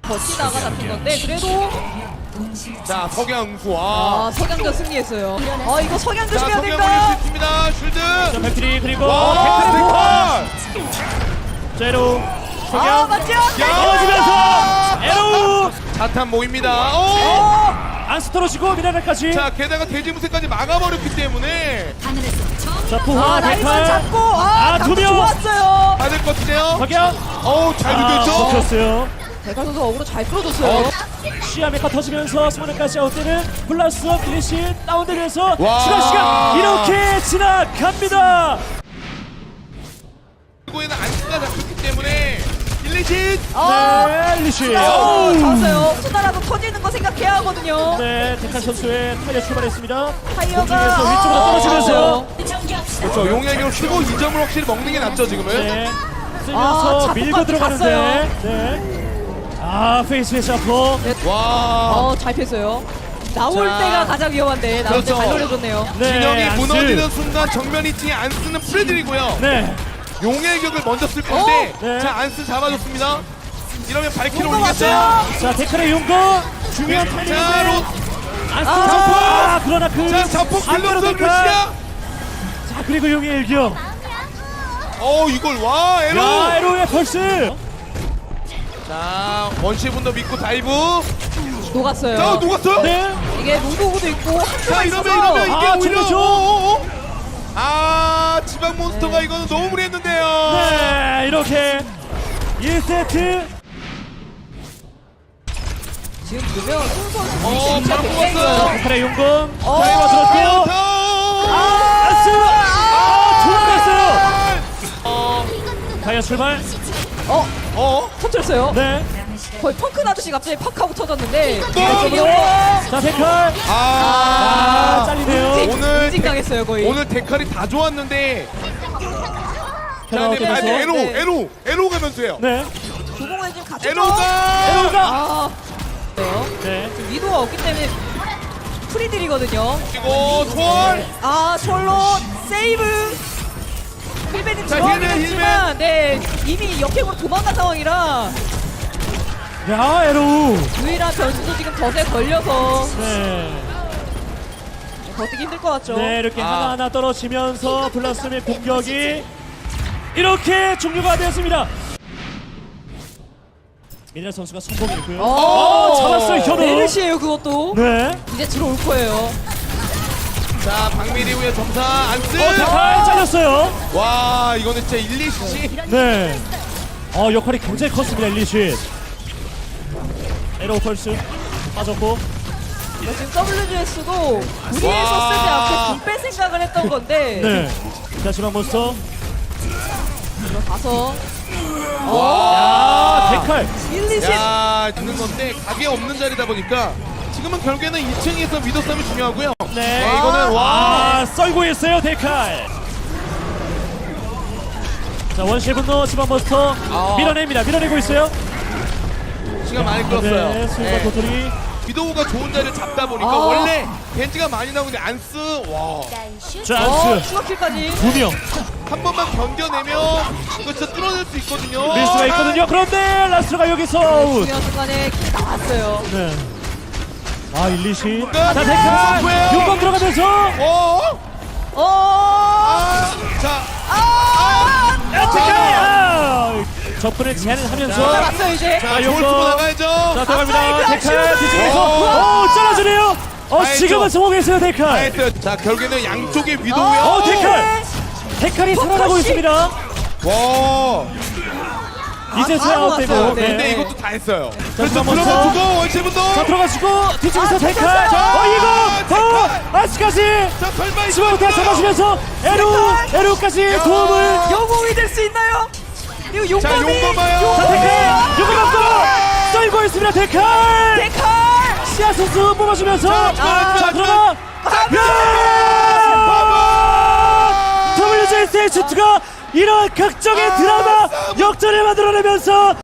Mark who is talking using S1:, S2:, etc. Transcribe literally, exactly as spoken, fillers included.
S1: 버티다가 잡힌 건데 그래도
S2: 자 석양수 아,
S1: 아 석양전 승리했어요. 아 이거 석양
S2: 자
S1: 조심해야
S2: 석양
S1: 된다.
S2: 올릴 수 있습니다. 쉴드.
S3: 자, 백트리 그리고
S2: 와
S3: 백트리
S2: 백팔.
S3: 자, 에로
S1: 아
S3: 석양
S1: 맞죠?
S3: 떨어지면서 에로
S2: 자탄 모입니다. 오!
S1: 어
S3: 안스 떨어지고 미네랄까지.
S2: 자 게다가 돼지무새까지 막아버렸기 때문에
S3: 자, 푸하
S1: 아, 라이만
S3: 데칼
S1: 잡고 아,
S3: 아,
S1: 각도
S3: 두 명.
S1: 좋았어요.
S2: 다 될 것 같은데요.
S3: 석양
S2: 어우 잘
S3: 아,
S2: 비겼죠.
S3: 먹혔어요.
S1: 대가 선수 어그로 잘 끌어줬어요.
S3: 시야 메카 터지면서 스모너까지 아웃되는 플러스 필리시 다운되면서
S2: 와.
S3: 추가 시간 이렇게 지나갑니다.
S2: 그리고에는 안스가 잡혔기 때문에 일리신.
S1: 아,
S3: 네, 리시.
S1: 어, 잡았어요. 수다라도 터지는 거 생각해야 하거든요.
S3: 네, 데칼 선수의 타이어 출발했습니다.
S1: 타이어가
S3: 공중에서 위쪽으로
S1: 아,
S3: 떨어지면서
S2: 그렇죠. 용액으로 쓰고 이 점을 확실히 먹는 게 낫죠 지금은.
S3: 네, 쓰면서
S1: 아,
S3: 밀고
S1: 자폭까지
S3: 들어가는데 네. 아, 페이스의 샤퍼.
S2: 와.
S1: 어, 잘 폈어요. 나올
S2: 자.
S1: 때가 가장 위험한데 나올 때
S2: 그렇죠.
S1: 잘 노려줬네요.
S3: 네,
S2: 진영이
S3: 안스.
S2: 무너지는 순간 정면 이 층에 안스는 프레들이고요.
S3: 네.
S2: 용의 격을 먼저 쓸 건데
S3: 어? 네.
S2: 자 안스 잡아줬습니다. 이러면 발키를
S1: 용거
S2: 올리겠죠.
S1: 왔어요.
S3: 자, 데칼의 용거 중요한
S2: 자,
S3: 타이밍인데
S2: 로-
S3: 안스
S1: 아,
S3: 자폭. 아, 그러나 그
S2: 자 자폭
S3: 안
S2: 빌렸어
S3: 들어갈까?
S2: 루시아.
S3: 자, 그리고 용의 일격.
S2: 어 이걸 와 에로.
S3: 야, 에로의 펄스.
S2: 자 원시분도 믿고 다이브.
S1: 녹았어요.
S2: 자 녹았어요.
S1: 네. 이게 농구구도 있고
S2: 자
S1: 한조가
S2: 이러면
S1: 있어서
S2: 이러면 이게
S3: 아,
S2: 오히려
S3: 정말
S2: 어, 어, 어. 아 지방 몬스터가 이거는 너무 무리했는데요.
S3: 네, 이렇게 일 세트.
S1: 지금 보면 손 선수
S2: 어,
S1: 진짜
S2: 바로
S1: 굉장히
S2: 뽑았어요.
S1: 좋아요.
S3: 데칼의 용검.
S1: 어,
S3: 타이머 들었고.
S2: 아,
S3: 안스. 아, 돌아갔어요.
S2: 어,
S3: 타이어 출발.
S1: 어,
S2: 어,
S1: 터뜨렸어요.
S3: 네.
S1: 거의 펑크 나듯이 갑자기 팍 하고 터졌는데.
S2: 또!
S1: 이쪽으로.
S3: 자, 데칼. 아,
S2: 아,
S3: 잘리네요.
S1: 응징,
S2: 오늘
S1: 응징 당했어요 거의.
S2: 오늘 데칼이 다 좋았는데. 자,
S3: 페널
S2: 네, 아니,
S3: 되면서.
S2: 에로,
S1: 네.
S2: 에로, 에로가 변수예요.
S3: 네.
S1: 조공을 지금 같이
S2: 에로가.
S3: 에로가.
S1: 아, 네요.
S3: 네.
S1: 지금 위도가 없기 때문에 프리들이거든요.
S2: 그리고 초월.
S1: 아, 솔로 세이브. 힐베님
S2: 자,
S1: 들어가긴
S2: 힐베,
S1: 했지만, 네 이미 역행으로 도망간 상황이라
S3: 야, 에로.
S1: 유일한 변수도 지금 덫에 걸려서
S3: 네.
S1: 버티기 힘들 것 같죠.
S3: 네, 이렇게
S2: 아.
S3: 하나하나 떨어지면서 블라스의 공격이 이렇게 종료가 되었습니다. 미네랄 선수가 성공했고요.
S1: 어,
S3: 잡았어요, 현우.
S1: 메르시에요 그것도.
S3: 네.
S1: 이제 들어올 거예요.
S2: 자, 박미리 후에 점사 안스.
S3: 어, 데칼 잘렸어요.
S2: 와, 이거는 진짜 일리시.
S3: 네. 어, 역할이 굉장히 컸습니다, 일리시. 에로 펄스 빠졌고.
S1: 이거 지금 더블유지에스도 무리해서
S2: 와.
S1: 쓰지 않고 딜뺄 생각을 했던 건데
S3: 네. 자, 지방 몬스터.
S1: 들어가서
S3: 아, 데칼.
S1: 일리신
S2: 야, 있는 건데 각이 없는 자리다 보니까 지금은 결국에는 이 층에서 위도 싸움이 중요하고요.
S3: 네.
S2: 네, 이거는 와.
S3: 아, 썰고 있어요, 데칼. 자, 원시 분노 지방 몬스터
S2: 아.
S3: 밀어냅니다. 밀어내고 있어요.
S2: 시간 많이 끌었어요.
S3: 네, 수인과
S2: 네.
S3: 도토리.
S2: 위도우가 좋은 자리를 잡다 보니까
S1: 아.
S2: 원래 벤지가 많이 나오는데 안스 와.
S3: 자,
S1: 어,
S3: 안스.
S1: 추가킬까지.
S3: 두 명.
S2: 한 번만 견뎌내면 이거 진짜 뚫어낼 수 있거든요.
S3: 밀 수가 있거든요. 그런데 라스트가 여기서 아웃.
S1: 중요한 순간에 킬 나왔어요.
S3: 네. 아, 일리시.
S2: 끝.
S3: 자, 데칼.
S2: 뭐예요?
S3: 용건 들어가면서.
S2: 어?
S1: 어,
S2: 아, 자,
S1: 아,
S3: 야, 데칼. 아, 적분을 제한을 하면서.
S1: 살았어요 이제.
S2: 자,
S3: 요거.
S2: 골 쓰고 나가야죠.
S3: 자, 들어갑니다.
S1: 아싸,
S3: 데칼
S1: 슈퍼!
S3: 뒤쪽에서. 오, 잘라주네요. 어,
S2: 알죠.
S3: 지금은 성공했어요, 데칼.
S2: 나이스. 자, 결국에는 양쪽의 위도우요.
S3: 어, 데칼. 데칼이 살아나고
S1: 포커싱.
S3: 있습니다.
S2: 와.
S3: 이제서야
S1: 다
S3: 아웃되고.
S1: 모았어요.
S3: 네.
S2: 근데 이것도 다 했어요.
S3: 자,
S2: 그래서
S3: 한번 더.
S2: 들어가주고 원시분도.
S3: 자, 들어가시고 뒤쪽에서
S1: 아,
S3: 데칼.
S1: 잡혔어요.
S3: 어, 이거. 어, 아스까지.
S2: 자, 설마 이거
S3: 지금부터 잡아주면서 에루, 에루까지
S2: 야.
S3: 도움을.
S1: 영웅이 될 수 있나요? 이거
S2: 자,
S1: 용감이.
S2: 용거 봐요.
S3: 자, 데칼. 요거 감고 썰고 있습니다, 데칼.
S1: 데칼.
S3: 시아 선수 뽑아주면서.
S2: 자,
S3: 자,
S2: 자,
S3: 그러나. 더블유제이에스의 슈트가 이런 극적인 드라마 역전을 만들어내면서